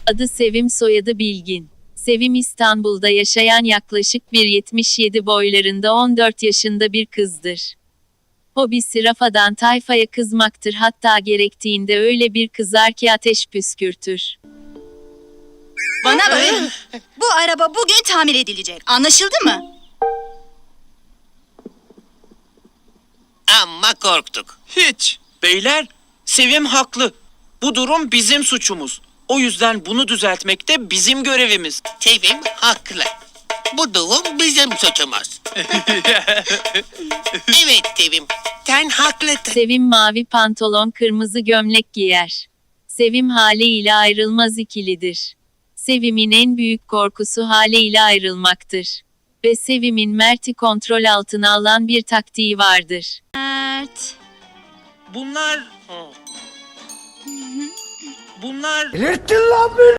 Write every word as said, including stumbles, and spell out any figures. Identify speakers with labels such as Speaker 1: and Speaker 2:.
Speaker 1: Adı Sevim, soyadı Bilgin. Sevim İstanbul'da yaşayan yaklaşık bir yetmiş yedi boylarında on dört yaşında bir kızdır. Hobisi rafadan tayfaya kızmaktır, hatta gerektiğinde öyle bir kızar ki ateş püskürtür.
Speaker 2: Bana bakın. Bu araba bugün tamir edilecek. Anlaşıldı mı?
Speaker 3: Amma korktuk.
Speaker 4: Hiç. Beyler, Sevim haklı. Bu durum bizim suçumuz. O yüzden bunu düzeltmek de bizim görevimiz.
Speaker 3: Sevim haklı. Bu durum bizim suçumuz. Evet Sevim, sen haklısın.
Speaker 1: Sevim mavi pantolon, kırmızı gömlek giyer. Sevim haliyle ayrılmaz ikilidir. Sevim'in en büyük korkusu haliyle ayrılmaktır. Ve Sevim'in Mert'i kontrol altına alan bir taktiği vardır.
Speaker 2: Mert.
Speaker 4: Bunlar... Bunlar...